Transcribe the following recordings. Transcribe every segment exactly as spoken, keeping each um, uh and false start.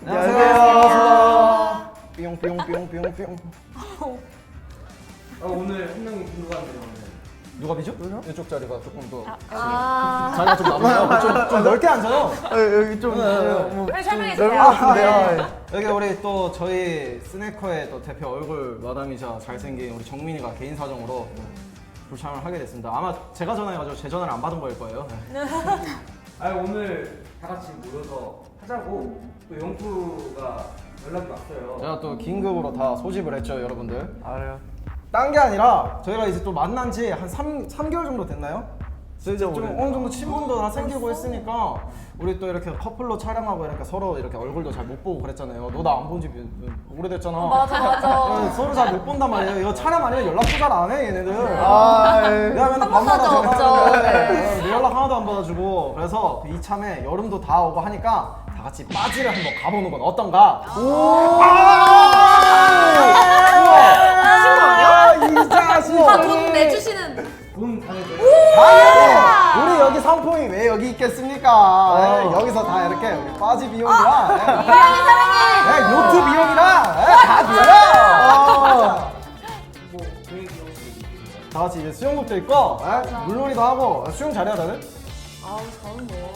안녕하세요. 뿅뿅뿅뿅뿅. 어, 오늘 한 명이 빈 거 같네요. 누가 비죠? 이쪽 자리가 조금 더 아, 자리가 좀 남아요. 좀, 좀 넓게 앉아요. 여기 좀 뭐, 빨리 설명해 넓은 주세요. 것 같은데요. 아, 네. 여기 우리 또 저희 스네커의 또 대표 얼굴 마담이자 잘생긴 우리 정민이가 개인 사정으로 불참을 하게 됐습니다. 아마 제가 전화해가지고 제 전화를 안 받은 거일 거예요. 아 오늘 다 같이 모여서 하자고 또 영프가 연락이 왔어요. 제가 또 긴급으로 다 소집을 했죠, 여러분들. 알아요. 딴 게 아니라 저희가 이제 또 만난 지 한 삼 개월 정도 됐나요? 진짜 좀 오래. 어느 정도 친분도 다 생기고 했으니까 우리 또 이렇게 커플로 촬영하고 이렇게 서로 이렇게 얼굴도 잘 못 보고 그랬잖아요. 너 나 안 본 지 오래됐잖아. 맞아 맞아. 네, 서로 잘 못 본단 말이에요. 이거 촬영 아니면 연락도 잘 안 해, 얘네들. 아, 예. 내가 맨날 한 번도 밤마다 없죠. 전화하는데 네. 내 연락 하나도 안 받아주고. 그래서 그 이참에 여름도 다 오고 하니까 다 같이 빠지를 한번 가보는 건 어떤가? 오! 아, 이 자식! 다돈 내주시는. 돈 당해줘요. 당연히 우리 여기 상품이 왜 여기 있겠습니까? 예, 여기서 다 이렇게 우리 빠지 비용이랑 예, 이랑이 사랑해. 예, 요트 비용이랑 예, 다 줘요. 뭐 계획이 혹시 있으신가요? 다 같이 이제 수영복도 입고 예, 물놀이도 하고 수영 잘해야 다들? 아우 저는 뭐.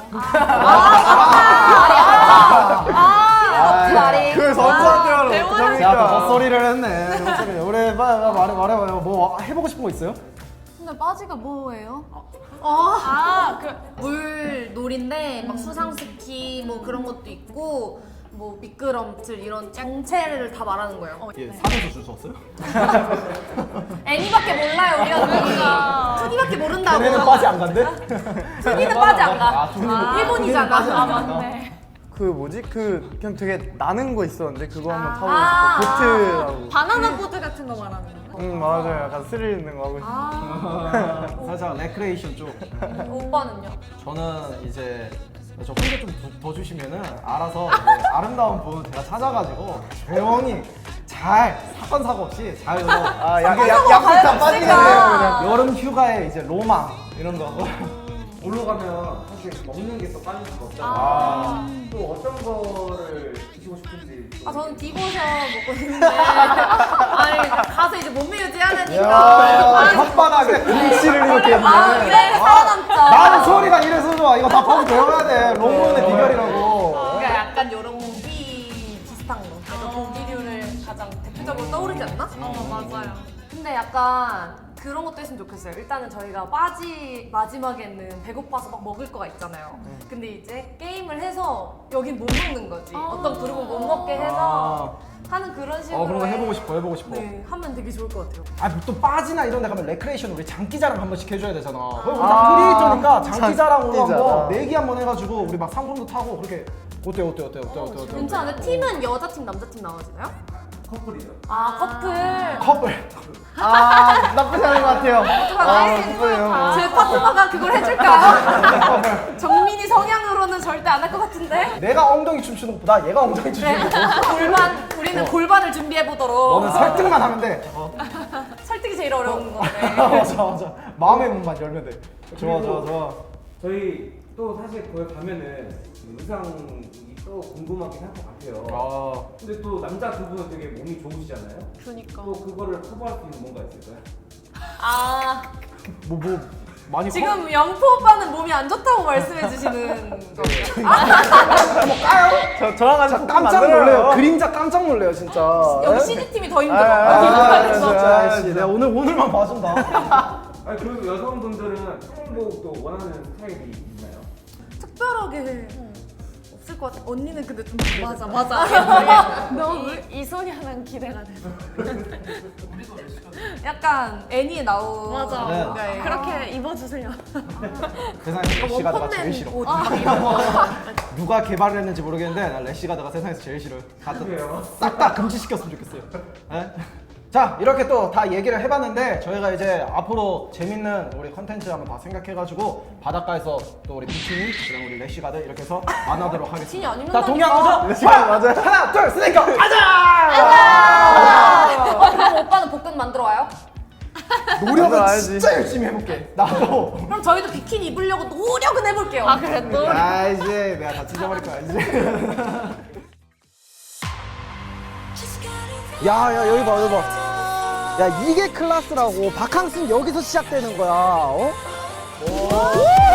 아, 말이. 그걸 선수한테 하러 배우는 어떡합니까? 제가 또 헛소리를 했네. 헛소리. 우리 말, 말해, 말해봐요. 뭐 해보고 싶은 거 있어요? 근데 빠지가 뭐예요? 아, 그 물놀이인데 막 수상 스키 뭐 그런 것도 있고 뭐 미끄럼틀 이런 정체를 다 말하는 거예요. 어, 예, 사면서 줄 수 없어요? 애니밖에 몰라요 우리가 그러니까. 투디밖에 모른다고. 걔네는 빠지 안 간대? 투디는 빠지 안 가. 아, 투디는 일본이잖아. 빠지 안 아 간다. 맞네. 그 뭐지? 그 그냥 되게 나는 거 있었는데 그거 한번 타보고 아, 싶어. 보트라고. 바나나 보드 같은 거 말하는 거. 응 맞아요. 약간 스릴 있는 거 하고 싶어. 아, 살짝 레크레이션 쪽. 오빠는요? 저는 이제 저 혼자 좀 더 주시면은 알아서 이제 아름다운 분 제가 찾아가지고 조용히 잘 사건 사고 없이 잘 이거 아, 약, 사고 약, 약속 가야 다 빠지게 됐으니까. 돼요, 그냥. 여름 휴가에 이제 로망 이런 거. 놀러 가면 사실 먹는 게 또 빠질 수가 없잖아요. 아. 또 어떤 거를 드시고 싶은지. 또 아 저는 디보셔 먹고 있는데 아니 가서 이제 몸매 유지해야 야, 되니까 혓바닥에 글씨를 이렇게 아 했네. 그래 살아남죠. 나는 소리가 이래서 좋아. 이거 다 파고 배워야 돼. 롱런의 비결이라고. 그러니까 약간 요런 고기 비슷한 거 그래서 고기류를 가장 대표적으로 떠오르지 않나? 어 맞아요. 근데 약간 그런 것도 했으면 좋겠어요. 일단은 저희가 빠지 마지막에는 배고파서 막 먹을 거가 있잖아요. 근데 이제 게임을 해서 여긴 못 먹는 거지. 어떤 그룹은 못 먹게 해서 하는 그런 식으로. 어, 그런 거 해. 해보고 싶어, 해보고 싶어. 네, 하면 되게 좋을 것 같아요. 아, 또 빠지나 이런 데 가면 레크레이션 우리 장기자랑 한 번씩 해줘야 되잖아. 그럼 우리 아, 다 크리에이터니까 장기자랑으로 장기자랑. 한번 내기 한번 해가지고 우리 막 상품도 타고 그렇게 어때, 어때, 어때, 어때, 어때, 어때. 괜찮은데 팀은 여자 팀, 남자 팀 나눠지나요? 커플이죠. 아 커플. 커플. 아 나쁘지 않은 것 같아요. 아 어떡하지? 예뻐요. 제 파트너가 그걸 해줄까요? 정민이 성향으로는 절대 안 할 것 같은데. 내가 엉덩이 춤추는 것보다 얘가 엉덩이 춤추는 네. 거. 골반. 우리는 골반을 준비해 보도록. 너는 설득만 하면 돼. 어. 설득이 제일 어려운 건데. 맞아, 맞아. 마음의 문만 열면 돼. 좋아, 좋아, 좋아. 저희 또 사실 거기 가면은 의상이 또 궁금하긴 할 것 같아요. 아, 근데 또 남자 두 분은 되게 몸이 좋으시잖아요. 그러니까. 또 그거를 커버할 수 있는 뭔가 있을까요? 아 뭐, 뭐, 많이 지금 영포 오빠는 몸이 안 좋다고 말씀해 주시는 거예요. 저 저랑 같이 커? 포켓 깜짝 만들어요. 놀래요. 그림자 깜짝 놀래요, 진짜. 여기 씨디 팀이 더 힘들어. 아, 아, 아, 아, 진짜. 아, 씨, 내가 오늘, 오늘만 봐준다. 아니 그리고 여성분들은 평복도 원하는 스타일이 있나요? 특별하게 없을 것 같아. 언니는 근데 좀 맞아 맞아. 너무 이소녀는 기대가 돼. 약간 애니에 나오. 맞아. 네. 그렇게 입어주세요. 세상에 래시가드가 제일 싫어. 옷 막 이런 거. 누가 개발을 했는지 모르겠는데 난 래시가드가 세상에서 제일 싫어요. 그래요? 싹 다 금지시켰으면 좋겠어요. 네? 자, 이렇게 또 다 얘기를 해봤는데 저희가 이제 앞으로 재밌는 우리 컨텐츠 한번 다 생각해가지고 바닷가에서 또 우리 비키니, 그다음 우리 래시가드 이렇게 해서 만나도록 하겠습니다. 비키니 안 자, 입는다니까. 동의한 거죠? 래시가드 하나, 맞아요. 하나, 둘, 스네이커, 가자! 어, 그럼 오빠는 복근 만들어 와요? 노력은 알지. 진짜 열심히 해볼게. 나도. 그럼 저희도 비키니 입으려고 노력은 해볼게요. 아 그래 또 아, 이제 내가 다 찢어버릴 거야, 이제. 야, 야, 여기 봐, 여기 봐. 야, 이게 클래스라고. 바캉스는 여기서 시작되는 거야. 어?